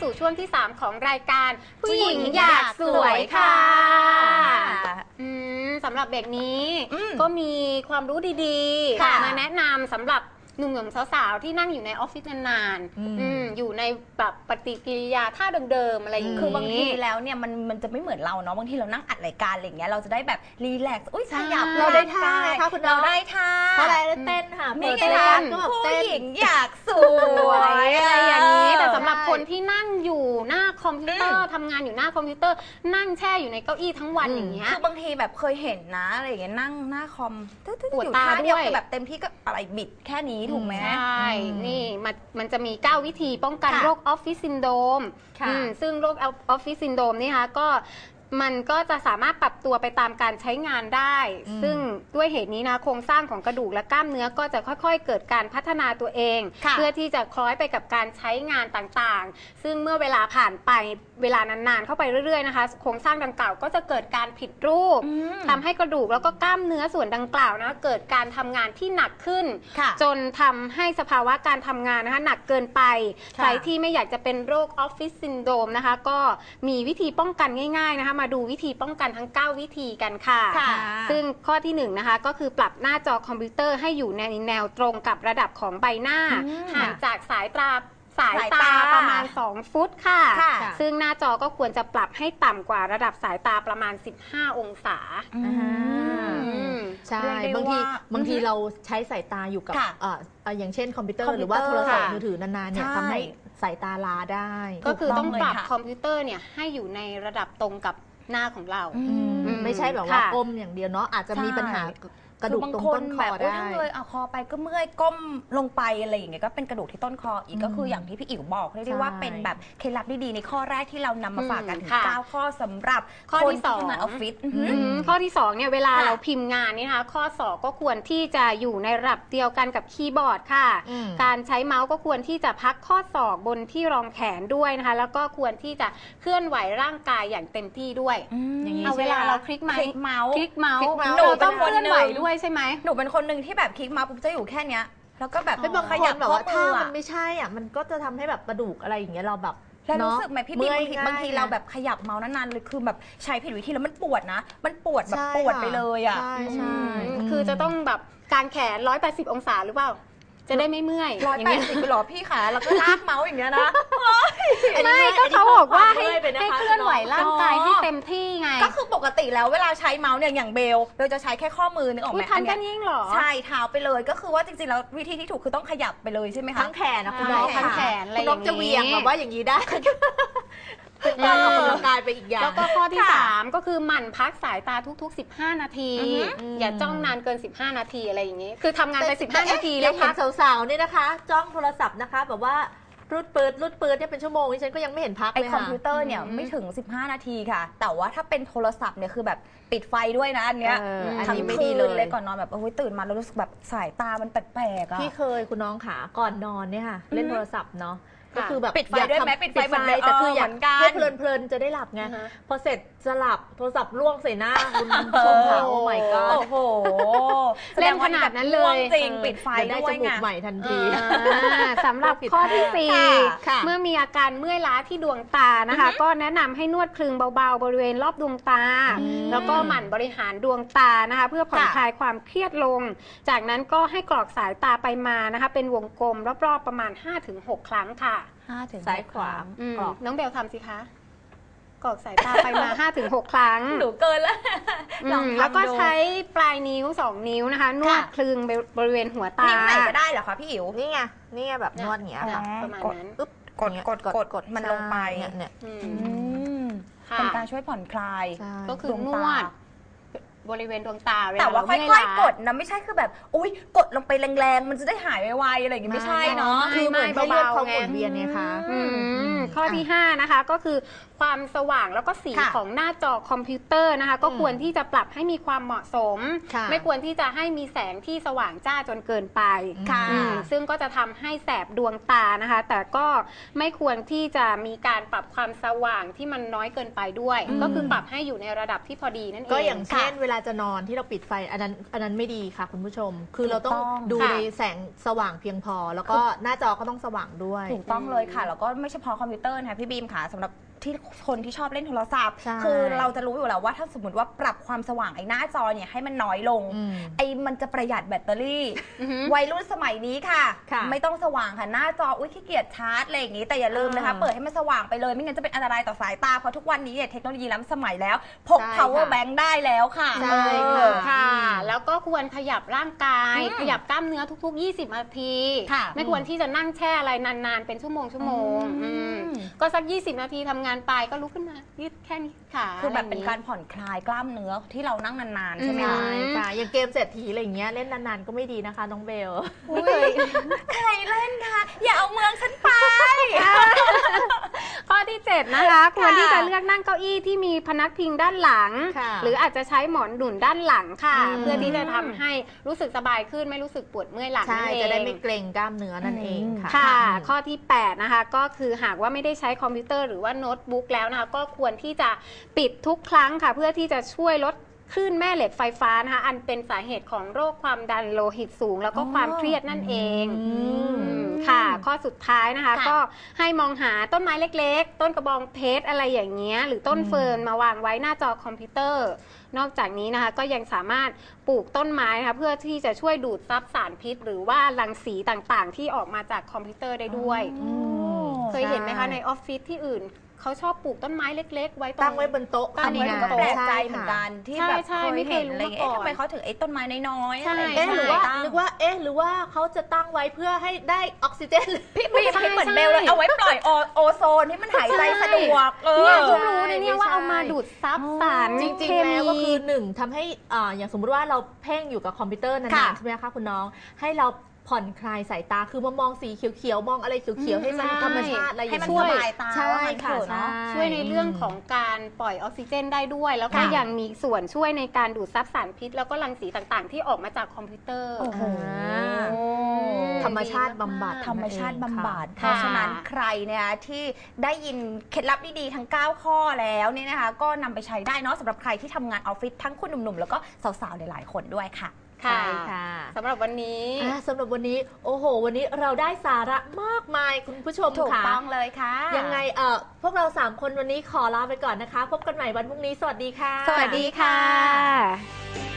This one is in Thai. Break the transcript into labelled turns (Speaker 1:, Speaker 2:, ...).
Speaker 1: สู่ช่วงที่ 3 ของรายการผู้หญิงอยากสวยค่ะสำหรับเบรกนี้ก็มีความรู้ดีๆมาแนะนำสำหรับหนุ่มๆสาวๆที่นั่งอยู่ในออฟฟิศนานๆอยู่ในแบบปฏิกิริยาท่าเดิมๆอะไรอย่างนี้
Speaker 2: คือบางทีแล้วเนี่ยมันจะไม่เหมือนเราเนาะบางทีเรานั่งอัดรายการอะไรอย่างเงี้ยเราจะได้แบบรีแลกซ์ขยับ
Speaker 3: เราได้ท่าค่ะคุณ
Speaker 2: เราได้ท่า
Speaker 3: เพราะอะไรเต้นค่ะ
Speaker 2: นี่ไงผู้หญิงอยากสวย
Speaker 1: อะไรอย่างนี้แต่สำหรับคนที่นั่งอยู่หน้าคอมพิวเตอร์ทำงานอยู่หน้าคอมพิวเตอร์นั่งแช่อยู่ในเก้าอี้ทั้งวันอย่างเงี้ย
Speaker 2: คือบางทีแบบเคยเห็นนะอะไรอย่างเงี้ยนั่งหน้าคอม
Speaker 1: ปวดตาด้วย
Speaker 2: แบบเต็มที่ก็อะไรบิดแค่นี้ถูกไหม
Speaker 1: ใช่นี่มันจะมี9วิธีป้องกันโรคออฟฟิศซินโดรมซึ่งโรคออฟฟิศซินโดรมนี่ค่ะก็มันก็จะสามารถปรับตัวไปตามการใช้งานได้ซึ่งด้วยเหตุนี้นะโครงสร้างของกระดูกและกล้ามเนื้อก็จะค่อยๆเกิดการพัฒนาตัวเองเพื่อที่จะคล้อยไปกับการใช้งานต่างๆซึ่งเมื่อเวลาผ่านไปเวลานานๆเข้าไปเรื่อยๆนะคะโครงสร้างดังกล่าวก็จะเกิดการผิดรูปทำให้กระดูกแล้วก็กล้ามเนื้อส่วนดังกล่าวนะเกิดการทำงานที่หนักขึ้นจนทำให้สภาวะการทำงานนะคะหนักเกินไปใครที่ไม่อยากจะเป็นโรคออฟฟิศซินโดรมนะคะก็มีวิธีป้องกันง่ายๆนะคะมาดูวิธีป้องกันทั้ง9วิธีกันค่ะซึ่งข้อที่1นะคะก็คือปรับหน้าจอคอมพิวเตอร์ให้อยู่ในแนวตรงกับระดับของใบหน้าห่างจากสายตาประมาณ2ฟุตค่ะซึ่งหน้าจอก็ควรจะปรับให้ต่ำกว่าระดับสายตาประมาณ15องศา
Speaker 3: ใช่บางทีเราใช้สายตาอยู่กับอย่างเช่นคอมพิวเตอร์หรือว่าโทรศัพท์มือถือนานๆเนี่ยทำให้สายตาล้าได้
Speaker 1: ก็คือต้องปรับคอมพิวเตอร์เนี่ยให้อยู่ในระดับตรงกับหน้าของเรา
Speaker 3: ไม่ใช่แบบว่าก้มอย่างเดียวเนาะอาจจะมีปัญหากระดูกตรงต้นคอได้
Speaker 2: เลยเอาคอไปก็เมื่อยก้มลงไปอะไรอย่างเงี้ยก็เป็นกระดูกที่ต้นคออีกก็คืออย่างที่พี่อิ๋วบอกเรียกได้ว่าเป็นแบบเคล็ดลับดีๆในข้อแรกที่เรานำมาฝากกันถึง9ข้อสำหรับ
Speaker 1: ข้อที่2
Speaker 2: ทำงานออฟฟิศ
Speaker 1: ข้อที่2เนี่ยเวลาเราพิมพ์งานนี่นะคะข้อ2ก็ควรที่จะอยู่ในระดับเดียวกันกับคีย์บอร์ดค่ะการใช้เมาส์ก็ควรที่จะพักข้อศอกบนที่รองแขนด้วยนะคะแล้วก็ควรที่จะเคลื่อนไหวร่างกายอย่างเต็มที่ด้วย
Speaker 2: อย่างนี้
Speaker 1: เวลาเราคลิกเมาส์
Speaker 2: หนู
Speaker 1: ต้องเคลื่อนไหวด้วยใช่ไหม
Speaker 2: หนูเป็นคนหนึ่งที่แบบคลิกมาปุ๊บจะอยู่แค่เนี้ยแล้วก็แบบ
Speaker 3: บางคนแบบว่าถ้ามันไม่ใช่อ่ะมันก็จะทำให้แบบกระดูกอะไรอย่างเงี้ยเราแบบ
Speaker 2: แล้วรู้สึกไหมพี่บิ๊กบางทีเราแบบขยับเมาส์นานๆเลยคือแบบใช้ผิดวิธีแล้วมันปวดนะมันปวดแบบปวดไปเลยอ่ะ
Speaker 3: ใช่
Speaker 1: คือจะต้องแบบการแขน180องศาหรือเปล่าจะได้ไม่เมื่อย
Speaker 2: 180หรอพี่ขาแล้วก็ลากเมาส์อย่างเงี้ยนะ
Speaker 1: ไม่ก็เขาบอกว่าให้เคลื่อนไหวร่างกายให้เต็มที่ไง
Speaker 2: ก็คือปกติแล้วเวลาใช้เมาส์เนี่ยอย่างเบลจะใช้แค่ข้อมือนึกออกไหม
Speaker 1: ทันกันยิ่งหรอ
Speaker 2: ใช่เท้าไปเลยก็คือว่าจริงๆแล้ววิธีที่ถูกคือต้องขยับไปเลยใช่ไหมคะ
Speaker 3: ทั้งแขนนะคุณน้อง
Speaker 1: ทั้งแขนอะไรอย่าง
Speaker 3: นี้คุณน้องจะเวียงแบบว่าอย่างนี้ได้เป็นการออกกำลังกายไปอีกอย่าง
Speaker 1: แล้วก็ข้อที่3ก็คือหมั่นพักสายตาทุกๆ15นาทีอย่าจ้องนานเกิน15นาทีอะไรอย่างนี้คือทำงานไป15นาที
Speaker 3: แล้วพักสาวๆเนี่ยนะคะจ้องโทรศัพท์นะคะแบบว่ารูดปืนเนี่ยเป็นชั่วโมงนี่ฉันก็ยังไม่เห็นพักเลยค่ะ
Speaker 2: คอมพิวเตอร์เนี่ยไม่ถึง15นาทีค่ะแต่ว่าถ้าเป็นโทรศัพท์เนี่ยคือแบบปิดไฟด้วยนะอันเนี้ยทั้งคืนเลยก่อนนอนแบบตื่นมาแล้วรู้สึกแบบสายตามันแปลกๆอ่ะ
Speaker 3: พี่เคยคุณน้องขาก่อนนอนเนี่ยค่ะเล่นโทรศัพท์เนาะก็คือแบบ
Speaker 2: ปิดไฟด้วยไหมปิดไฟเหมือน
Speaker 3: แต่คืออยากให้เพลินๆจะได้หลับไงพอเสร็จจะหลับโทรศัพท์ล่วงใส่หน้าคุณชมค่ะโอ้ my god
Speaker 2: โอ้โห
Speaker 1: เล่นขนาดนั้นเลย
Speaker 2: จริงปิดไฟ
Speaker 3: ได้จมูกใหม่ทันที
Speaker 1: สำหรับข้อที่4เมื่อมีอาการเมื่อยล้าที่ดวงตานะคะก็แนะนำให้นวดคลึงเบาๆบริเวณรอบดวงตาแล้วก็หมั่นบริหารดวงตานะคะเพื่อผ่อนคลายความเครียดลงจากนั้นก็ให้กรอกสายตาไปมานะคะเป็นวงกลมรอบๆประมาณ 5-6 ครั้งค่ะ
Speaker 3: ซ้ายขวา
Speaker 1: น้องเบลทำสิคะกรอกสายตาไปมา 5-6 ครั้ง
Speaker 2: หนูเกินแล้ว
Speaker 1: แล้วก็ใช้ปลายนิ้ว2นิ้วนะคะนวดคลึงบริเวณหัวตา
Speaker 2: นิ้วไหนก็ได้เหรอคะพี่อิ๋ว
Speaker 3: นี่ไงแบบนวดอย่างเงี้ยค่ะ
Speaker 1: ประมาณนั้น
Speaker 2: กดมันลงไป
Speaker 3: เนี่ย
Speaker 2: เป็นการช่วยผ่อนคลาย
Speaker 1: ก็คือนวดบริเวณดวงตา
Speaker 2: แต่ว่าค่อยๆกดนะไม่ใช่คือแบบอุ้ยกดลงไปแรงๆมันจะได้หายไวๆอะไรอย่างงี้ไม่ใช่เนาะ
Speaker 3: คือเหมือนให้เลือดเขาหมุนเวียนไงคะ
Speaker 1: ข้อที่5นะคะก็คือความสว่างแล้วก็สีของหน้าจอคอมพิวเตอร์นะคะก็ควรที่จะปรับให้มีความเหมาะสมไม่ควรที่จะให้มีแสงที่สว่างจ้าจนเกินไปซึ่งก็จะทำให้แสบดวงตานะคะแต่ก็ไม่ควรที่จะมีการปรับความสว่างที่มันน้อยเกินไปด้วยก็คือปรับให้อยู่ในระดับที่พอดีนั่นเอง
Speaker 3: ก็อย่างเช่นเวลาจะนอนที่เราปิดไฟอันนั้นไม่ดีค่ะคุณผู้ชม คือเราต้อง
Speaker 2: ถูกต้อง
Speaker 3: ดู
Speaker 1: ค่ะ
Speaker 3: ในแสงสว่างเพียงพอ แล้วก็หน้าจอก็ต้องสว่างด้วย
Speaker 2: ถูกต้องเลยค่ะ แล้วก็ไม่เฉพาะคอมพิวเตอร์นะคะพี่บีมค่ะสำหรับที่คนที่ชอบเล่นโทรศัพท์
Speaker 3: ใช่
Speaker 2: คือเราจะรู้อยู่แล้วว่าถ้าสมมติว่าปรับความสว่างไอ้หน้าจอเนี่ยให้มันน้อยลง ไอ้มันจะประหยัดแบตเตอรี่ วัยรุ่นสมัยนี้ค่ะ
Speaker 3: ค่ะ
Speaker 2: ไม่ต้องสว่างค่ะหน้าจออุ้ยขี้เกียจชาร์จอะไรอย่างนี้แต่อย่าลืมนะคะ เปิดให้มันสว่างไปเลยไม่งั้นจะเป็นอันตรายต่อสายตาเพราะทุกวันนี้เนี่ยเทคโนโลยีล้ำสมัยแล้วพก
Speaker 3: ใช่
Speaker 2: power
Speaker 3: ค่ะ
Speaker 2: bank ได้แล้วค่ะ
Speaker 3: ใช่ค่ะ
Speaker 1: ค่ะ แล้วก็ควรขยับร่างกาย ขยับกล้ามเนื้อทุกๆ 20 นาที
Speaker 2: ค่ะ
Speaker 1: ไม่ควรที่จะนั่งแช่อะไรนานๆ เป็นชั่วโมงก็สัก 20 นาทีทำงานไปก็ลุกขึ้นมายืดแค่นี้ค่ะ
Speaker 2: คือแบบเป็นการผ่อนคลายกล้ามเนื้อที่เรานั่งนานๆใช่ไหม
Speaker 3: ใช่
Speaker 2: คะ
Speaker 3: ค่ะอย่างเกมเศรษฐีอะไรอย่างเงี้ยเล่นนานๆก็ไม่ดีนะคะน้องเบล
Speaker 1: อุ้ย
Speaker 2: ใครเล่นคะอย่าเอาเมืองฉันไป
Speaker 1: ข้อที่ 7 นะคะควรที่จะเลือกนั่งเก้าอี้ที่มีพนักพิงด้านหลัง
Speaker 3: ค่ะ
Speaker 1: หรืออาจจะใช้หมอนหนุนด้านหลังค่ะ
Speaker 3: อืม
Speaker 1: เพื่อที่จะทำให้รู้สึกสบายขึ้นไม่รู้สึกปวดเมื่อยหลัง
Speaker 3: ใช่
Speaker 1: นั่นเอง
Speaker 3: จะได้ไม่เกร็งกล้ามเนื้อนั่นเองค่ะ
Speaker 1: ค่ะ ข้อที่ 8 นะคะ ก็คือหากว่าไม่ได้ใช้คอมพิวเตอร์หรือว่าโน้ตบุ๊กแล้วนะคะ ก็ควรที่จะปิดทุกครั้งค่ะ เพื่อที่จะช่วยลดคลื่นแม่เหล็กไฟฟ้านะคะ อันเป็นสาเหตุของโรคความดันโลหิตสูง แล้วก็ความเครียดนั่นเอง ค่ะ ข้อสุดท้ายนะคะ
Speaker 2: ค่ะ
Speaker 1: ก็ให้มองหาต้นไม้เล็กๆ ต้นกระบองเพชรอะไรอย่างเงี้ยหรือต้นเฟิร์นมาวางไว้หน้าจอคอมพิวเตอร์ นอกจากนี้นะคะก็ยังสามารถปลูกต้นไม้นะคะเพื่อที่จะช่วยดูดซับสารพิษ หรือว่ารังสีต่างๆ ที่ออกมาจากคอมพิวเตอร์ได้ด้วย เคยเห็นไหมคะในออฟฟิศที่อื่นเขาชอบปลูกต้นไม้เล็ก ๆ ไว้ตรง
Speaker 3: ตั้งไว้บนโต๊ะ
Speaker 1: ตั้ง
Speaker 2: อันนี้
Speaker 1: ไว้
Speaker 2: ก็
Speaker 1: บน
Speaker 2: แปล
Speaker 1: โต๊ะ
Speaker 2: กใจเหมือนกันที่
Speaker 1: ใช่
Speaker 2: แบบ
Speaker 1: ใช่
Speaker 2: เค
Speaker 1: ไม่
Speaker 2: ย
Speaker 1: เคย
Speaker 2: เห็น
Speaker 1: รู้
Speaker 2: อะไร
Speaker 1: มา
Speaker 2: เอ๊ะ
Speaker 1: ก่อน
Speaker 2: ทำไมเขาถึงไอ้ต้นไม้น้อยๆ
Speaker 1: ใช่
Speaker 2: อะไร
Speaker 3: เอ๊ะหรือว่า
Speaker 2: ตั้ง
Speaker 3: นึกว่าหรือว่าเขาจะตั้งไว้เพื่อให้ได้ออกซิเจน
Speaker 2: พี่บีมเหมือนเบลเลยเอาไว้ปล่อยโอโซนที่มันหายใจสะดวก
Speaker 1: เนี่ยเพิ่งรู้
Speaker 3: ใช่
Speaker 1: นะเนี่ยว่าเอามาดูดซับสาร
Speaker 3: จริง
Speaker 1: เค
Speaker 3: ๆ แล้วก็
Speaker 1: มี
Speaker 3: คือหนึ่งทำให้อย่างสมมุติว่าเราเพ่งอยู่กับคอมพิวเตอร์นา
Speaker 2: ค่ะ
Speaker 3: นๆใช่ไหมคะคุณน้องให้เราผ่อนคลายสายตาคือมามองสีเขียวๆมองอะไรเขียวๆให้มัน
Speaker 1: ใช่
Speaker 3: ธรรมชาติอะไรอ
Speaker 2: ให้
Speaker 3: ย่าง
Speaker 2: มัน
Speaker 3: เงี้
Speaker 2: ส
Speaker 3: ย
Speaker 2: บายตา
Speaker 3: ใช่
Speaker 2: ว่างั้น
Speaker 3: ค่ะ
Speaker 2: เถอะเนาะ
Speaker 1: ช่วยในเรื่องของการปล่อยออกซิเจนได้ด้วย แล้วก็
Speaker 2: ค่ะ
Speaker 1: ยังมีส่วนช่วยในการดูดซับสารพิษ แล้วก็รังสีต่างๆ ที่ออกมาจากคอมพิวเตอร์
Speaker 2: โอ้โห
Speaker 3: ธรรมชาติบำบัด
Speaker 2: ธรรมชาติบำบัด เพ
Speaker 1: ค่ะ
Speaker 2: ราะฉะนั้นใครเนี่ยที่ได้ยินเคล็ดลับดีๆทั้ง 9 ข้อแล้วเนี่ยนะคะ ก็นำไปใช้ได้เนาะสำหรับใครที่ทำงานออฟฟิศทั้งคุณหนุ่มๆ แล้วก็สาวๆหลายๆคนด้วยค่ะ
Speaker 3: ใช่ค่ะ
Speaker 1: สำหรับวันนี้
Speaker 3: สำหรับวันนี้โอ้โห วันนี้เราได้สาระมากมายคุณผู้ชม
Speaker 2: ถูก
Speaker 3: ค่ะ
Speaker 2: ต้องเลยค่ะ
Speaker 3: ยังไงพวกเรา3คนวันนี้ขอลาไปก่อนนะคะ พบกันใหม่วันพรุ่งนี้สวัสดีค่ะ
Speaker 1: สวัสดีค่ะ